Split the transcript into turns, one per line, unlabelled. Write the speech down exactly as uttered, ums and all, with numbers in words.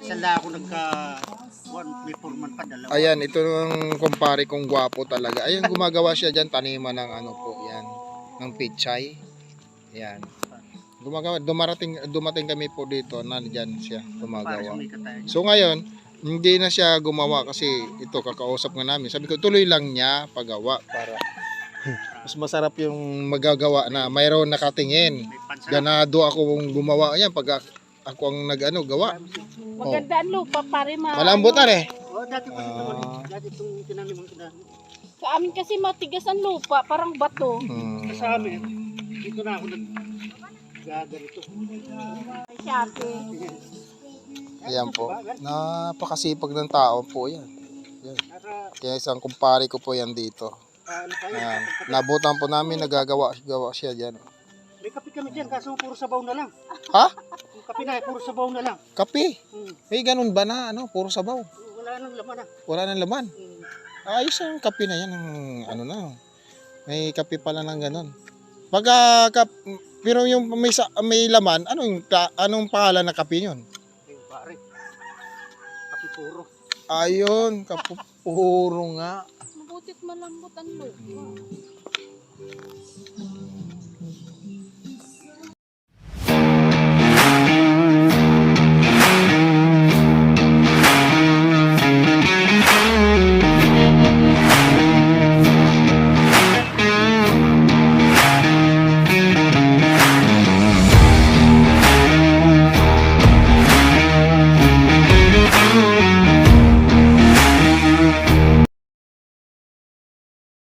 Sala ako nagka one before man pa dalawa.
Ayan, ito yung kumpare kong gwapo talaga. Ayan, gumagawa siya dyan, taniman ng ano po, yan, ng pichay. Ayan. Gumagawa, dumarating, dumating kami po dito, nandyan siya,
Para
gumagawa.
sumikat tayo.
So ngayon, hindi na siya gumawa kasi ito, kakausap nga namin. Sabi ko, tuloy lang niya paggawa para mas masarap yung magagawa na mayroon nakatingin.
May pansa.
Ganado ako gumawa yan pag ako ang nag-ano, gawa.
Maganda ang lupa, pare ma.
Malambutan eh.
Oh, dati ko dito man.
Ah.
Dati itong tinanim ang tinanim.
Sa amin kasi matigas ang lupa, parang bato.
Hmm.
Sa amin, dito na ako nag gaganito.
Siyate.
Ayan po. Napakasipag ng tao po yan. Yan.
Nasa
Kaya isang kumpare ko po yan dito.
ano tayo.
Ayan. Nabutan po namin, nagagawa gawa siya dyan.
May kape kami dyan, kaso puro sabaw na lang.
Ha?
Yung kape na, puro sabaw na lang.
Kape?
Hmm.
Eh, ganun ba na? Ano? Puro sabaw.
Wala nang laman na.
Wala nang laman.
Hmm.
Ayos ang kape na yan. Ang, ano na. May kape pala ng ganun. Pag, ah, kap, pero yung may, sa, may laman, anong, ka- anong pangalan ng kape yun?
Yung pare. Kape puro.
Ayun, kapupuro nga.
Mabutit malambot ang lupa.